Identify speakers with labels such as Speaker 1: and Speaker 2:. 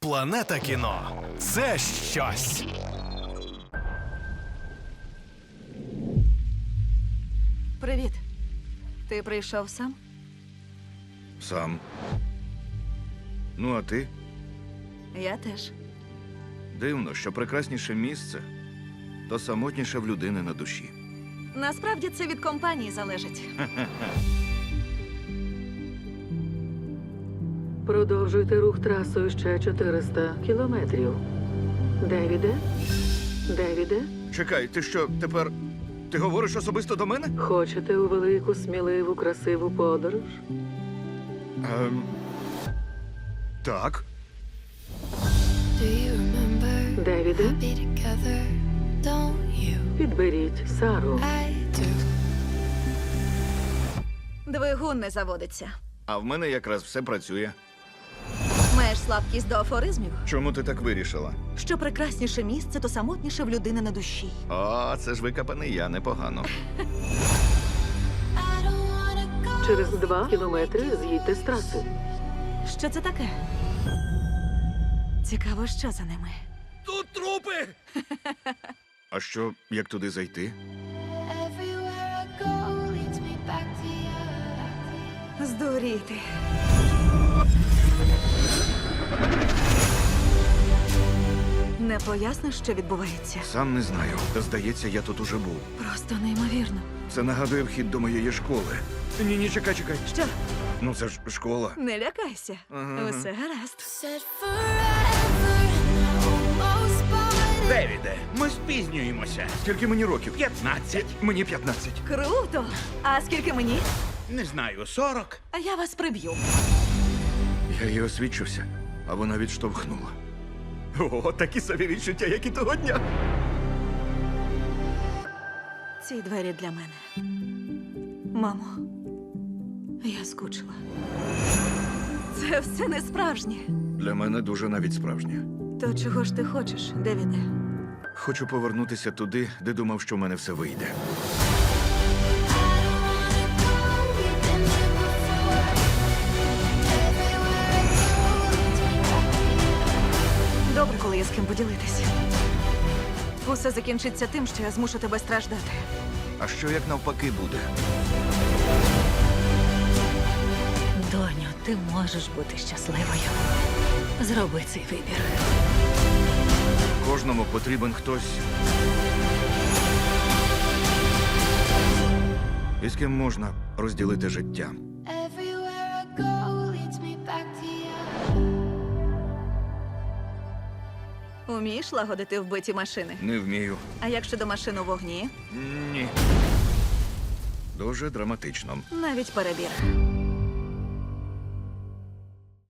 Speaker 1: Планета кіно – це щось.
Speaker 2: Привіт. Ти прийшов сам?
Speaker 3: Сам. Ну, а ти?
Speaker 2: Я теж.
Speaker 3: Дивно, що прекрасніше місце, то самотніше в людини на душі.
Speaker 2: Насправді це від компанії залежить.
Speaker 4: Продовжуйте рух трасою ще 400 кілометрів. Девіде? Девіде?
Speaker 3: Чекай, ти що, тепер... Ти говориш особисто до мене?
Speaker 4: Хочете у велику, сміливу, красиву подорож?
Speaker 3: Так.
Speaker 5: Do you remember
Speaker 4: Девіде?
Speaker 5: be together? Don't you?
Speaker 4: Підберіть Сару.
Speaker 5: I do.
Speaker 2: Двигун не заводиться.
Speaker 3: А в мене якраз все працює.
Speaker 2: Маєш слабкість до афоризмів?
Speaker 3: Чому ти так вирішила?
Speaker 2: Що прекрасніше місце, то самотніше в людини на душі.
Speaker 3: О, це ж викопаний я, непогано.
Speaker 5: I don't wanna go.
Speaker 4: Через 2 кілометри з'їдьте з траси.
Speaker 2: Що це таке? Цікаво, що за ними.
Speaker 1: Тут трупи!
Speaker 3: А що, як туди зайти?
Speaker 5: Everywhere I go leads me back to you.
Speaker 2: Здуріти. Не поясниш, що відбувається?
Speaker 3: Сам не знаю. Та здається, я тут уже був.
Speaker 2: Просто неймовірно.
Speaker 3: Це нагадує вхід до моєї школи. Ні, чекай.
Speaker 2: Що?
Speaker 3: Ну це ж школа.
Speaker 2: Не лякайся.
Speaker 3: Ага.
Speaker 2: Усе гаразд.
Speaker 5: Said forever, almost but
Speaker 6: Девіде, ми спізнюємося.
Speaker 3: Скільки мені років?
Speaker 6: 15.
Speaker 3: Мені 15.
Speaker 2: Круто! А скільки мені?
Speaker 6: Не знаю, 40.
Speaker 2: А я вас приб'ю.
Speaker 3: Я їй освідчився, а вона відштовхнула. О, такі собі відчуття, як і того дня.
Speaker 2: Ці двері для мене. Мамо, я скучила. Це все не справжнє.
Speaker 3: Для мене дуже навіть справжнє.
Speaker 2: То чого ж ти хочеш, Девіде?
Speaker 3: Хочу повернутися туди, де думав, що в мене все вийде.
Speaker 5: we've been here before. Everywhere I go leads me back to you.
Speaker 2: Добре, коли є з ким поділитися. Усе закінчиться тим, що я змушу тебе страждати.
Speaker 3: А що як навпаки буде?
Speaker 2: Доню, ти можеш бути щасливою. Зроби цей вибір.
Speaker 3: Кожному потрібен хтось, із ким можна розділити життя.
Speaker 5: Everywhere I go leads me back to you.
Speaker 2: Умієш лагодити вбиті машини?
Speaker 3: Не вмію.
Speaker 2: А як щодо машин у вогні?
Speaker 3: Ні. Дуже драматично.
Speaker 2: Навіть перебір.